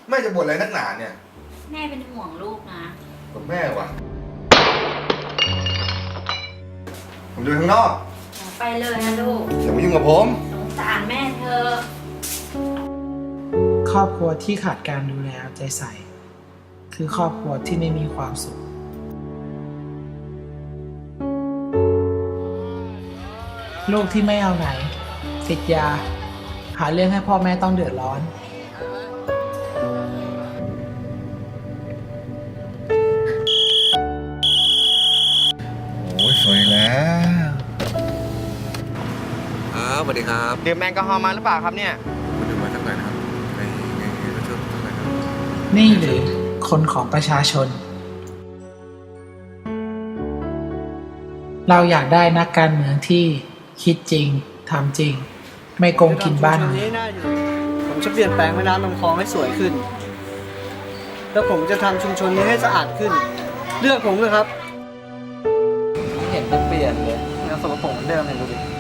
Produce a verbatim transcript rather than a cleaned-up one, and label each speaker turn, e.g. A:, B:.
A: แม่จะบ่นอะไรนักหนาเนี่ย
B: แม่เป็นห่วงลูกนะ
A: กับแม่วะผมจะไปข้างนอก
B: ไปเลยนะลูก
A: อย่ามายุ่งกับผม
B: สงสารแม่เธอ
C: ครอบครัวที่ขาดการดูแลเอาใจใส่คือครอบครัวที่ไม่มีความสุขลูกที่ไม่เอาไหนติดยาหาเรื่องให้พ่อแม่ต้องเดือดร้อน
A: โอ้ยสวยแล้ว
D: ครับสวัสดีครับ
E: ดื่มแอลกอฮอล์มาหรือเปล่าครับเนี่ย
D: มาดื่มมาสักหน่อยนะครับในในรถชนสักหน่อยครับ
C: นี่หรือคนของประชาชนเราอยากได้นักการเมืองที่คิดจริงทำจริงไม่โกงกินบ้าน
F: นี้น่าอยู่ผมจะเปลี่ยนแปลงแม่น้ำลำคลองให้สวยขึ้นแล้วผมจะทำชุมชนนี้ให้สะอาดขึ้นเลือกผมเลยครับเห็นจะเปลี่ยนเลยยังสกปรกเหมือนเดิมเลยดูดิ